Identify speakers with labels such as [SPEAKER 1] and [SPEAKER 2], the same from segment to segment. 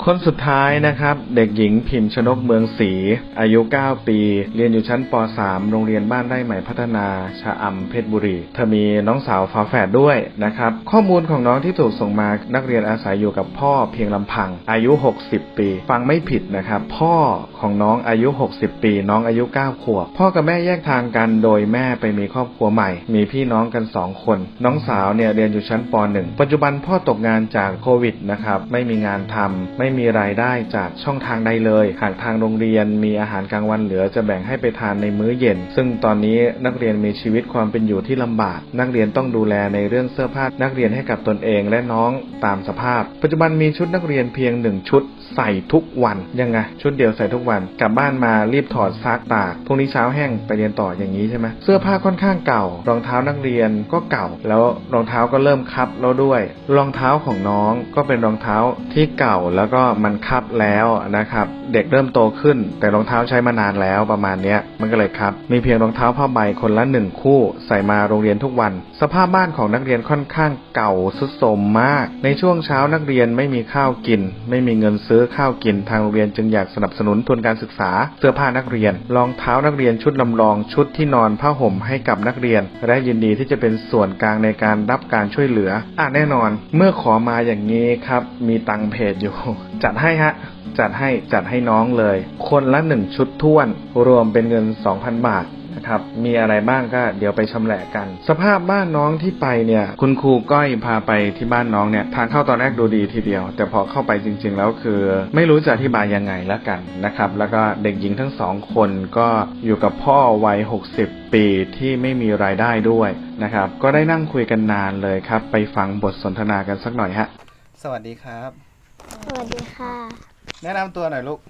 [SPEAKER 1] คนสุดท้ายนะครับเด็กหญิงพิมพ์ชนกเมืองศรีอายุ9ปีเรียนอยู่ชั้นป.3 โรงเรียนบ้านไร่ใหม่พัฒนาชะอำเพชรบุรีเธอมีน้องสาวฝาแฝดด้วยนะครับข้อมูลของน้องที่ถูกส่งมานักเรียนอาศัยอยู่กับพ่อเพียงลำพังอายุ60ปีฟังไม่ผิดนะครับพ่อของน้องอายุ60ปีน้องอายุ9ขวบพ่อกับแม่แยกทางกันโดยแม่ไปมีครอบครัวใหม่มีพี่น้องกัน2คนน้องสาวเนี่ยเรียนอยู่ชั้นป.1 ปัจจุบันพ่อตกงานจากโควิดนะครับไม่มีงานทำไม่มีรายได้จากช่องทางใดเลยหากทางโรงเรียนมีอาหารกลางวันเหลือจะแบ่งให้ไปทานในมื้อเย็นซึ่งตอนนี้นักเรียนมีชีวิตความเป็นอยู่ที่ลำบากนักเรียนต้องดูแลในเรื่องเสื้อผ้านักเรียนให้กับตนเองและน้องตามสภาพปัจจุบันมีชุดนักเรียนเพียง1ชุดใส่ทุกวันยังไงชุดเดียวใส่ทุกวันกลับบ้านมารีบถอดซักตากพรุ่งนี้เช้าแห้งไปเรียนต่ออย่างนี้ใช่ไหมเสื้อผ้าค่อนข้างเก่ารองเท้านักเรียนก็เก่าแล้วรองเท้าก็เริ่มคับแล้วด้วยรองเท้าของน้องก็เป็นรองเท้าที่เก่าแล้วก็มันคับแล้วนะครับเด็กเริ่มโตขึ้นแต่รองเท้าใช้มานานแล้วประมาณนี้มันก็เลยครับมีเพียงรองเท้าผ้าใบคนละ1คู่ใส่มาโรงเรียนทุกวันสภาพบ้านของนักเรียนค่อนข้างเก่าทรุดโทรมมากในช่วงเช้านักเรียนไม่มีข้าวกินไม่มีเงินซื้อข้าวกินทางโรงเรียนจึงอยากสนับสนุนทุนการศึกษาเสื้อผ้านักเรียนรองเท้านักเรียนชุดลำลองชุดที่นอนผ้าห่มให้กับนักเรียนและยินดีที่จะเป็นส่วนกลางในการรับการช่วยเหลือแน่นอนเมื่อขอมาอย่างนี้ครับมีตังเพจอยู่ จัดให้ฮะจัดให้น้องเลยคนละ1ชุดท้วนรวมเป็นเงิน 2,000 บาทนะครับมีอะไรบ้างก็เดี๋ยวไปชำแหละกันสภาพบ้านน้องที่ไปเนี่ยคุณครูก้อยพาไปที่บ้านน้องเนี่ยทางเข้าตอนแรกดูดีทีเดียวแต่พอเข้าไปจริงๆแล้วคือไม่รู้จะอธิบายยังไงแล้วกันนะครับแล้วก็เด็กหญิงทั้ง2คนก็อยู่กับพ่อวัย60ปีที่ไม่มีรายได้ด้วยนะครับก็ได้นั่งคุยกันนานเลยครับไปฟังบทสนทนากันสักหน่อยฮะสวัสดีครับ
[SPEAKER 2] สวัสดีค่ะ
[SPEAKER 1] แนะนำตัวหน่อยลูก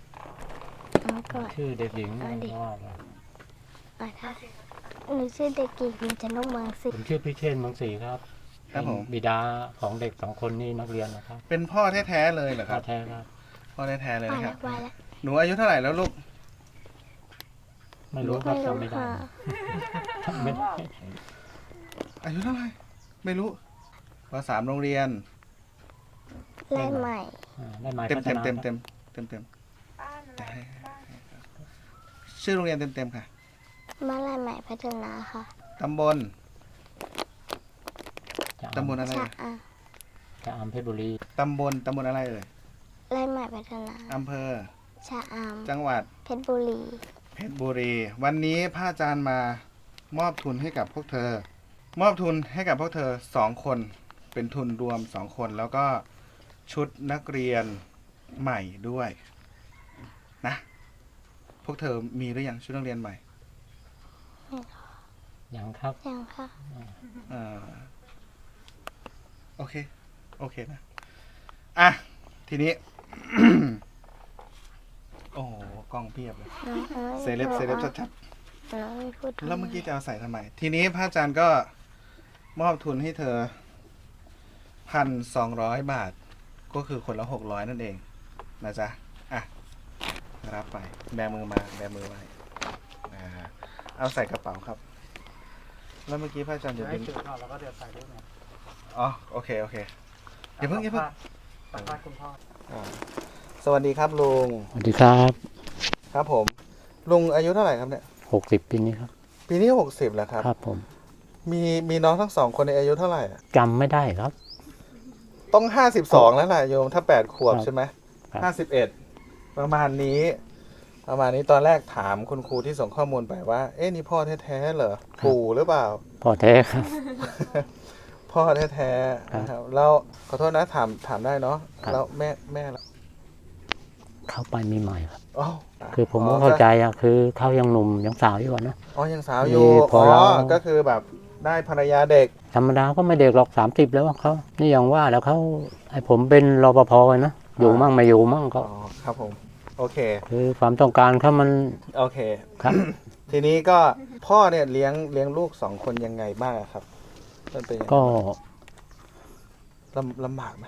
[SPEAKER 3] ชื่อเด็กหญิง
[SPEAKER 2] หนูชื่อเด็กหญิงพิมพ์ชนกเมืองศรี
[SPEAKER 3] ผมชื่อพี่เชษเมืองศรีครับ
[SPEAKER 1] ครับผม
[SPEAKER 3] บิดาของเด็ก2คนนี่นักเรียนนะครับ
[SPEAKER 1] เป็นพ่อแท้ๆเลยเหรอครับ
[SPEAKER 3] พ่อแท้ครับ
[SPEAKER 1] พ่อแท้ๆเลยนะครับ
[SPEAKER 2] ห
[SPEAKER 1] นูอายุเท่าไหร่แล้วลูก
[SPEAKER 3] ไม่รู้ครับจำไม่ได้
[SPEAKER 1] อายุเท่าไหร่ไม่รู้ป.3 โรงเรียน
[SPEAKER 2] ไร่ใหม่
[SPEAKER 1] เต็มชื่อโรงเรียนเต็มค่ะ
[SPEAKER 2] บ้านไร่ใหม่พัฒนาค่ะ
[SPEAKER 1] ตำบลอะไร
[SPEAKER 3] ชะอำเพชรบุรี
[SPEAKER 1] ตำบลอะไรเอ่ย
[SPEAKER 2] ไร่ใหม่พัฒนา
[SPEAKER 1] อำเภอ
[SPEAKER 2] ชะอำ
[SPEAKER 1] จังหวัด
[SPEAKER 2] เพชรบุรี
[SPEAKER 1] วันนี้พระอาจารย์มามอบทุนให้กับพวกเธอ2คนเป็นทุนรวม2คนแล้วก็ชุดนักเรียนใหม่ด้วยนะพวกเธอมีหรือยังชุดนักเรียนใหม่
[SPEAKER 3] ยังครับ
[SPEAKER 2] ยังค่ะ
[SPEAKER 1] โอเคนะทีนี้ โอ้โหกล้องเพียบเลยเซเลบชัดๆแล้วเมื่อกี้จะเอาใส่ทำไมทีนี้พระอาจารย์ก็มอบทุนให้เธอ 1,200 บาทก็คือคนละ600นั่นเองนะจ๊ะรับไปแบมือไว้เอาใส่กระเป๋าครับแล้วเมื่อกี้พระอาจารย์จะเป็น
[SPEAKER 3] แล้วก็เดี๋ยวใส่ด้วยนะ
[SPEAKER 1] โอเคอย่าเพิ่งคุณพ่อสวัสดีครับลุง
[SPEAKER 3] สวัสดีครับ
[SPEAKER 1] ครับผมลุงอายุเท่าไหร่ครับเนี่ย
[SPEAKER 3] 60ปีนี้ครับ
[SPEAKER 1] ปีนี้60แล้วครับ
[SPEAKER 3] ครับผม
[SPEAKER 1] มีน้องทั้ง2คนในอายุเท่าไหร่
[SPEAKER 3] จำไม่ได้ครับ
[SPEAKER 1] ต้อง52แล้วแหละโยมถ้า8ขวบใช่ไหม51ประมาณนี้ตอนแรกถามคุณครูที่ส่งข้อมูลไปว่านี่พ่อแท้ๆเหรอปู่หรือเปล่า
[SPEAKER 3] พ่อแท้ครับ
[SPEAKER 1] พ่อแท้ๆนะครับแล้วขอโทษนะถามได้เนาะแล้วแม่ล่ะ
[SPEAKER 3] เข้าไปมีใหม่ครับคือผมก็เข้าใจคือเขายังหนุ่มยังสาวอยู่นะ
[SPEAKER 1] ยังสาวอยู่ก็คือแบบได้ภรรยาเด็ก
[SPEAKER 3] ธรรมดาก็ไม่เด็กหรอก30แล้วเขานี่อย่างว่าแล้วเขาให้ผมเป็นรปภนะอยู่มั่งไม่อยู่มั่งก็
[SPEAKER 1] ครับผมโอเค
[SPEAKER 3] คือความต้องการเขามัน
[SPEAKER 1] โอเคครับทีนี้ก็พ่อเนี่ยเลี้ยงลูก2คนยังไงบ้างครับ
[SPEAKER 3] ก็
[SPEAKER 1] ลำบากไหม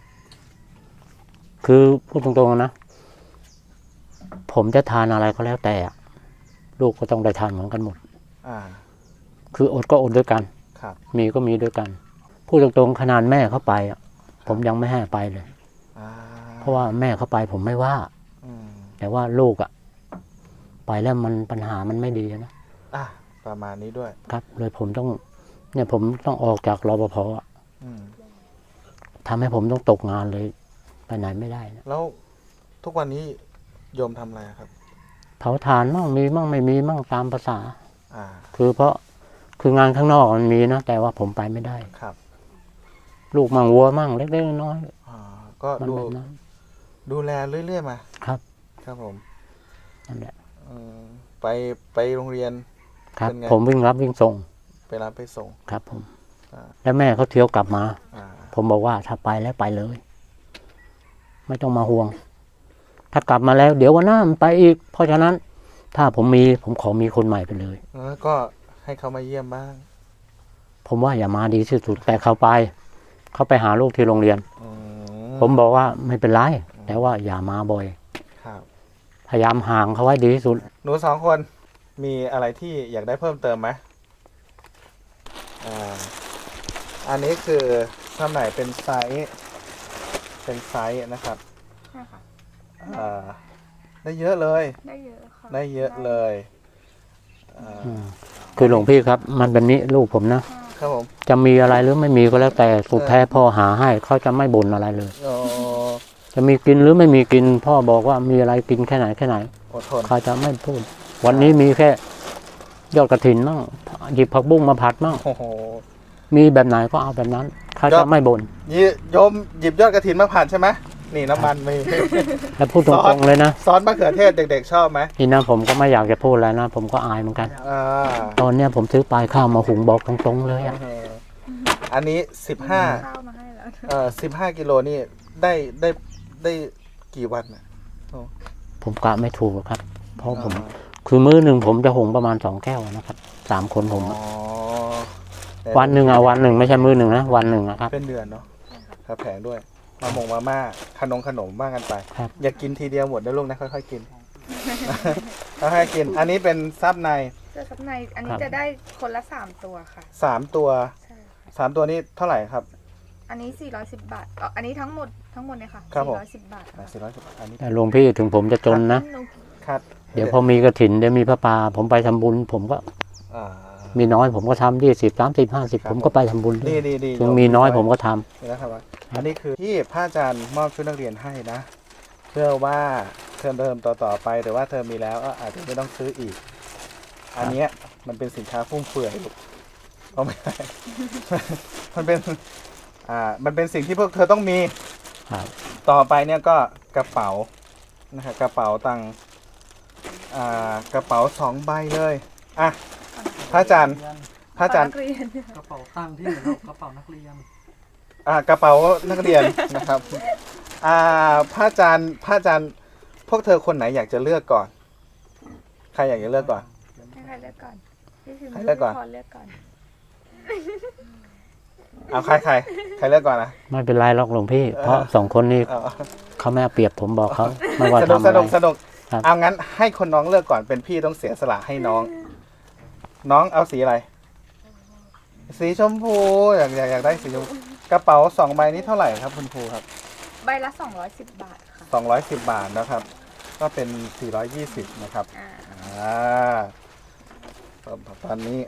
[SPEAKER 3] คือพูดตรงๆนะผมจะทานอะไรก็แล้วแต่ลูกก็ต้องได้ทานเหมือนกันหมดคืออดก็อดด้วยกันมีก็มีด้วยกันพูดตรงๆขนาดแม่เขาไปผมยังไม่ให้ไปเลยเพราะว่าแม่เขาไปผมไม่ว่า
[SPEAKER 1] อืม
[SPEAKER 3] แต่ว่าลูกอะไปแล้วมันปัญหามันไม่ดีนะ
[SPEAKER 1] อ่ะประมาณนี้ด้วย
[SPEAKER 3] ครับ เลยผมต้องออกจากรปภอะ
[SPEAKER 1] อืม
[SPEAKER 3] ทำให้ผมต้องตกงานเลยไปไหนไม่ได้นะ
[SPEAKER 1] แล้วทุกวันนี้โยมทำอะไรครับ
[SPEAKER 3] เผาถ่านมั่งมีมั่งไม่มีมั่งตามภาษา
[SPEAKER 1] อ่า
[SPEAKER 3] คืองานข้างนอกมันมีนะแต่ว่าผมไปไม่ได้
[SPEAKER 1] ครับ
[SPEAKER 3] ลูกมั่งวัวมั่งเล็กๆน้อย
[SPEAKER 1] อ่าก็
[SPEAKER 3] ๆมัน
[SPEAKER 1] ดู
[SPEAKER 3] แบบนั้น
[SPEAKER 1] ดูแลเรื่อยๆมา
[SPEAKER 3] ครับ
[SPEAKER 1] ครับผม
[SPEAKER 3] นั่นแหละ
[SPEAKER 1] อืมไปโรงเรียน
[SPEAKER 3] ครับ
[SPEAKER 1] เป็นไง
[SPEAKER 3] ผมวิ่งรับวิ่งส่ง
[SPEAKER 1] ไปรับไปส่ง
[SPEAKER 3] ครับผม
[SPEAKER 1] อ่า
[SPEAKER 3] แล้วแม่เขาเที่ยวกลับมา
[SPEAKER 1] อ่า
[SPEAKER 3] ผมบอกว่าถ้าไปแล้วไปเลย ไม่ต้องมาห่วง ถ้ากลับมาแล้ว เดี๋ยววันหน้ามันไปอีก เพราะฉะนั้น ถ้าผมขอมีคนใหม่ไปเลย
[SPEAKER 1] แล้วก็ให้เขามาเยี่ยมบ้าง
[SPEAKER 3] ผมว่าอย่ามาดีที่สุดแต่เขาไปหาลูกที่โรงเรียน
[SPEAKER 1] อื
[SPEAKER 3] ผมบอกว่าไม่เป็นไรแต่ว่าอย่ามาบ่อย
[SPEAKER 1] ครับ
[SPEAKER 3] พยายามห่างเขาไว้ดีที่สุด
[SPEAKER 1] หนูสองคนมีอะไรที่อยากได้เพิ่มเติมไหมอันนี้คือทำไหนเป็นไซส์นะครับ
[SPEAKER 4] ใช่ค่ะ
[SPEAKER 1] ได้เยอะเลย
[SPEAKER 4] ได้เยอะค่ะ
[SPEAKER 1] ได้เยอะเลยอ่า
[SPEAKER 3] คือหลวงพี่ครับ มันเป็นนี้ลูกผมนะ
[SPEAKER 1] ครับผม
[SPEAKER 3] จะมีอะไรหรือไม่มีก็แล้วแต่สุดแท้พ่อหาให้เขาจะไม่บ่นอะไรเลย
[SPEAKER 1] โอ้
[SPEAKER 3] จะมีกินหรือไม่มีกิน พ่อบอกว่ามีอะไรกินแค่ไหน
[SPEAKER 1] อดทน
[SPEAKER 3] เขาจะไม่พูด วันนี้มีแค่ยอดกระถินมั่งหยิบผักบุ้งมาผัดมั่ง
[SPEAKER 1] โอ้โห
[SPEAKER 3] มีแบบไหนก็เอาแบบนั้นเขา
[SPEAKER 1] ยอ
[SPEAKER 3] จะ
[SPEAKER 1] ด
[SPEAKER 3] ไม่บ่น
[SPEAKER 1] โยมหยิบยอดกระถินมาผ่านใช่ไหมนี่น้ำมันมี
[SPEAKER 3] แล้วพูดตรงๆเลยนะ
[SPEAKER 1] ซอสมะเขือเทศเด็กๆชอบไหม
[SPEAKER 3] ทีนั้นผมก็ไม่อยากจะพูดแล้วนะ ผมก็อายเหมือนกัน
[SPEAKER 1] อ่า
[SPEAKER 3] ตอนเนี้ยผมซื้อปลายข้าวมาหุงบอกตรงๆเลยอะ
[SPEAKER 1] อันนี้
[SPEAKER 4] ข้าวมาให้แล้ว
[SPEAKER 1] 15กิโลนี่ได้กี่วันน่ะ
[SPEAKER 3] ผมกะไม่ถูกหรอกครับ เพราะผมคือมื้อหนึ่งผมจะหุงประมาณ2 แก้วนะครับ3 คนผม
[SPEAKER 1] อ๋
[SPEAKER 3] อะ
[SPEAKER 1] อ
[SPEAKER 3] วันหนึ่งวันหนึ่งไม่ใช่มื้อหนึ่งนะวันหนึ่งนะครับ
[SPEAKER 1] เป็นเดือนเนาะครับแผงด้วยมาม่าขนมบ้างกันไป
[SPEAKER 3] ครับ
[SPEAKER 1] อย่ากินทีเดียวหมดนะลูกนะค่อยๆกิน ค่อยๆกิน อันนี้เป็นซับใน
[SPEAKER 4] เสื้อซับในอันนี้จะได้คนละ3ตัวค่ะ
[SPEAKER 1] 3 ตัว
[SPEAKER 4] ใช่ค่ะ
[SPEAKER 1] 3 ตัวนี้เท่าไหร่ครับ
[SPEAKER 4] อันนี้410 บาทอันนี้ทั้งหมดเนี่ยค่ะ
[SPEAKER 1] ครับผม
[SPEAKER 4] 410 บาท
[SPEAKER 1] 410อันนี้
[SPEAKER 3] แต่หลวงพี่ถึงผมจะจนนะ
[SPEAKER 1] ครับ
[SPEAKER 3] เดี๋ยวพอมีกระถินเดี๋ยวมีพระป่าผมไปทำบุญ ผมก็
[SPEAKER 1] อ่า
[SPEAKER 3] มีน้อยผมก็ทำ20 30 50ผมก็ไปทำบุญด้ว
[SPEAKER 1] ดี
[SPEAKER 3] ย
[SPEAKER 1] ดีดี
[SPEAKER 3] ถึงมีน้อยผมก็ทำ
[SPEAKER 1] นี่นะครับว่าอันนี้คือที่พระอาจารย์มอบชุดนักเรียนให้นะ เพื่อว่าเทอมต่อไปหรือว่าเทอมมีแล้วก็อาจจะไม่ต้องซื้ออีก อันเนี้ยมันเป็นสินค้าฟุ่มเฟือยลูกเอาไม่ได้ มันเป็นสิ่งที่พวกเธอต้องมี
[SPEAKER 3] ครับ
[SPEAKER 1] ต่อไปเนี่ยก็กระเป๋านะครับกระเป๋าตังค์กระเป๋า2 ใบเลยอ่ะพระอาจารย์
[SPEAKER 4] นักเรียน
[SPEAKER 5] กระเป๋าตังค์ที่ไหนครับกระเป๋านักเรียน
[SPEAKER 1] กระเป๋านักเรียน นะครับพระอาจารย์พวกเธอคนไหนอยากจะเลือกก่อน ใครอยากจะเลือกก่อน
[SPEAKER 4] ให้ใครเลือกก่อนพี่พิมพ์
[SPEAKER 1] ใครเลือกก่อน
[SPEAKER 4] พี่พรเลือกก่อน
[SPEAKER 1] เอาใครเลือกก่อนนะ
[SPEAKER 3] ไม่เป็นไรหรอกหลวงพี่ เพราะ2 คนนี้
[SPEAKER 1] เอา
[SPEAKER 3] เขาไม่เอาเปรียบผมบอกเขาไม่ว่า
[SPEAKER 1] สนุก
[SPEAKER 3] ทำอะไร
[SPEAKER 1] สนุก
[SPEAKER 3] ครับ
[SPEAKER 1] เอางั้นให้คนน้องเลือกก่อนเป็นพี่ต้องเสียสละให้น้อง น้องเอาสีอะไร สีชมพูอยากได้สีชมพูกระเป๋า2 ใบนี้เท่าไหร่ครับคุณครูครับ
[SPEAKER 4] ใบละ210 บาทค่ะ
[SPEAKER 1] 210 บาทนะครับ ก็เป็น420นะครับ ตอนนี้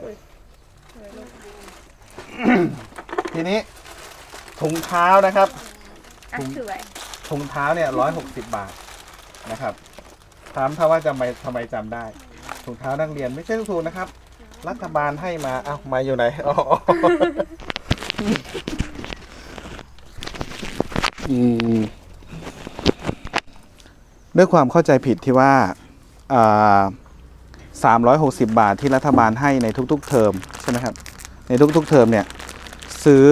[SPEAKER 1] ทีนี้ถุงเท้านะครับ
[SPEAKER 4] ถือไว้
[SPEAKER 1] ถุงเท้าเนี่ย160 บาทนะครับถามถ้าว่าทำไมจำได้ ถุงเท้านักเรียนไม่ใช่ถูกนะครับ รัฐบาลให้มาเอ้ามาอยู่ไหนอ๋อด้วยความเข้าใจผิดที่ว่า360 บาทที่รัฐบาลให้ในทุกๆเทอมใช่ไหมครับในทุกๆเทอมเนี่ยซื้อ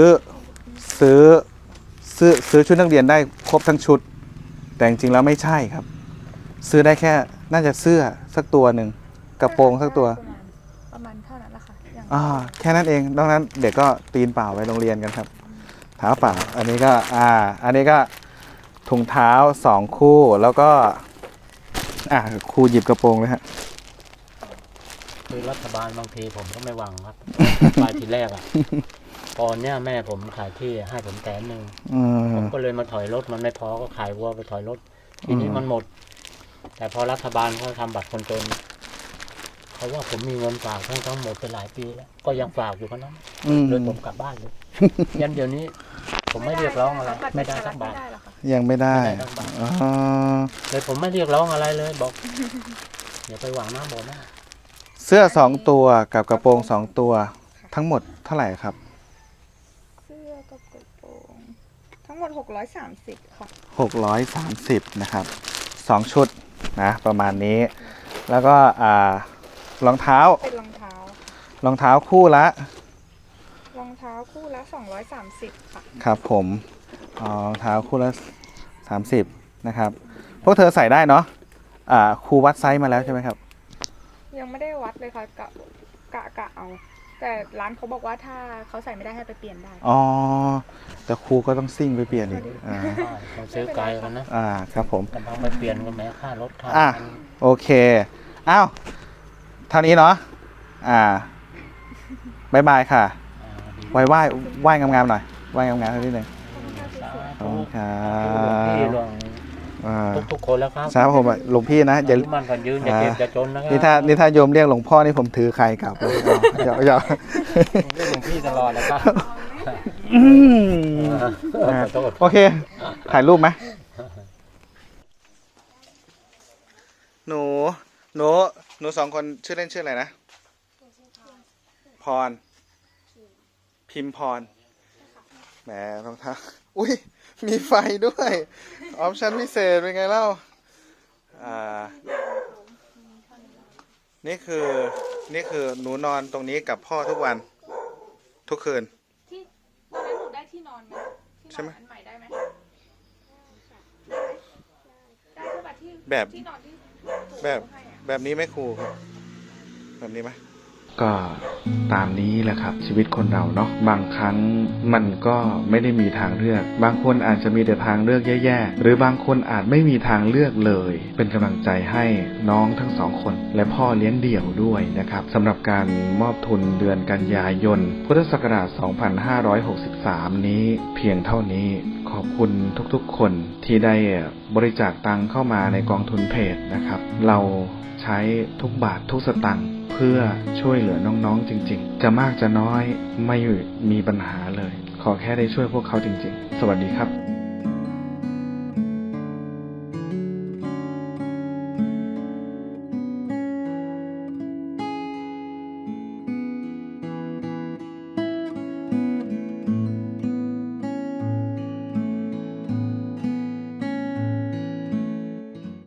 [SPEAKER 1] ชุดนักเรียนได้ครบทั้งชุด แต่จริงๆแล้วไม่ใช่ครับ ซื้อได้แค่น่าจะเสื้อสักตัวหนึ่งกระโปรงสักตัว
[SPEAKER 4] ประมาณเท่านั้นแหละค่ะอย่าง
[SPEAKER 1] แค่นั้นเองดังนั้นเด็กก็ตีนเปล่าไปโรงเรียนกันครับเท้าเปล่าอันนี้ก็ถุงเท้า2 คู่แล้วก็ครูหยิบกระโปรงเลยฮะ
[SPEAKER 3] คือรัฐบาลบางทีผมก็ไม่หวังครับ ไปทีแรกอะพก่อนเนี่ยแม่ผมขายที่ให้ผม100,000
[SPEAKER 1] อืม
[SPEAKER 3] ผมก็เลยมาถอยรถมันไม่พอก็ขายวัวไปถอยรถทีนี้มันหมด แต่พอรัฐบาลเขาทำบัตรคนจนเขาว่าผมมีเงินฝากทั้งหมดเป็นหลายปีแล้วก็ยังฝากอยู่กันนั้น
[SPEAKER 1] อืม
[SPEAKER 3] เลยผมกลับบ้านเลย ยันเดี๋ยวนี้ ผมไม่เรียกร้องอะไรไม่ได้สักบาท
[SPEAKER 4] ไม่ได้หรอกค่ะ
[SPEAKER 1] ยังไม่ได้
[SPEAKER 3] ไม่ได้สักบาท
[SPEAKER 1] อ๋อ
[SPEAKER 3] เลยผมไม่เรียกร้องอะไรเลยบอกอย่าไปหวังน้ำบ่อหน้า
[SPEAKER 1] เสื้อ2 ตัวกับกระโปรง2 ตัว ทั้งหมดเท่าไหร่ครับ
[SPEAKER 4] เสื้อกับกระโปรงทั้งหมด630ค่ะ
[SPEAKER 1] 630นะครับ2 ชุดนะประมาณนี้ แล้วก็รองเท้า
[SPEAKER 4] เป็นรองเท้าร
[SPEAKER 1] องเท้าคู่ละ
[SPEAKER 4] รองเท้าคู่ละ230ค่ะ
[SPEAKER 1] ครับผมรองเท้าคู่ละ30นะครับพวกเธอใส่ได้เนาะครูวัดไซส์มาแล้วใช่ไหมครับ
[SPEAKER 4] ยังไม่ได้วัดเลยค่ะกะเอา แต่ร้านเขาบอกว่าถ้าเขาใส่ไม่ได้ให้ไปเปลี่ยนได้
[SPEAKER 1] อ๋อแต่ครูก็ต้องซิ่งไปเปลี่ยนอีก
[SPEAKER 3] ต้องซื้อไกลกันนะ
[SPEAKER 1] ครับผม
[SPEAKER 3] กำลังไปเปลี่ยนก็แม้ค่ารถค่า
[SPEAKER 1] โอเคอ้าวเท่านี้เนาะบายบายค่ะไหว้งามๆหน่อยไหว้งามๆนิดนึงขอบคุณครั
[SPEAKER 3] พี่
[SPEAKER 1] บ
[SPEAKER 3] ลงทุกคนแล้วครับ
[SPEAKER 1] ครับผมหลวงพี่นะอย่า
[SPEAKER 3] มันกันยืนอย่าเก็บอย่าจนนะครั
[SPEAKER 1] นี่ถ้าโยมเรียกหลวงพ่อนี่ผมถือใครกลับเลยอย่า
[SPEAKER 3] เรียกหลวงพี่ตลอดนะครับ ขอโทษ
[SPEAKER 1] โอเค ถ่ายรูปไหมหนู2 คนชื่อเล่นชื่ออะไรนะพรพิมพรแหมรองเท้าอุ้ยมีไฟด้วยออปชั่นพิเศษเป็นไงเล่านี่คือหนูนอนตรงนี้กับพ่อทุกวันทุกคืน
[SPEAKER 4] ที่ตอนนั้นหนูได้ที่นอนไหมที่นอน
[SPEAKER 1] ใช่ไหม
[SPEAKER 4] อันใหม่ได้ไหมได้ใช่ปะที่
[SPEAKER 1] แบบ
[SPEAKER 4] ที่นอนที่
[SPEAKER 1] แบบนี้ไหมครูแบบนี้ไหมก็ตามนี้แหละครับชีวิตคนเราเนาะบางครั้งมันก็ไม่ได้มีทางเลือกบางคนอาจจะมีแต่ทางเลือกแย่ๆหรือบางคนอาจไม่มีทางเลือกเลยเป็นกำลังใจให้น้องทั้ง2 คนและพ่อเลี้ยงเดี่ยวด้วยนะครับสำหรับการมอบทุนเดือนกันยายนพุทธศักราช 2563 นี้เพียงเท่านี้ขอบคุณทุกๆคนที่ได้บริจาคตังเข้ามาในกองทุนเพจนะครับเราใช้ทุกบาททุกสตังค์เพื่อช่วยเหลือน้องๆจริงๆจะมากจะน้อยไม่มีปัญหาเลยขอแค่ได้ช่วยพวกเขาจริงๆสวัสดีครับ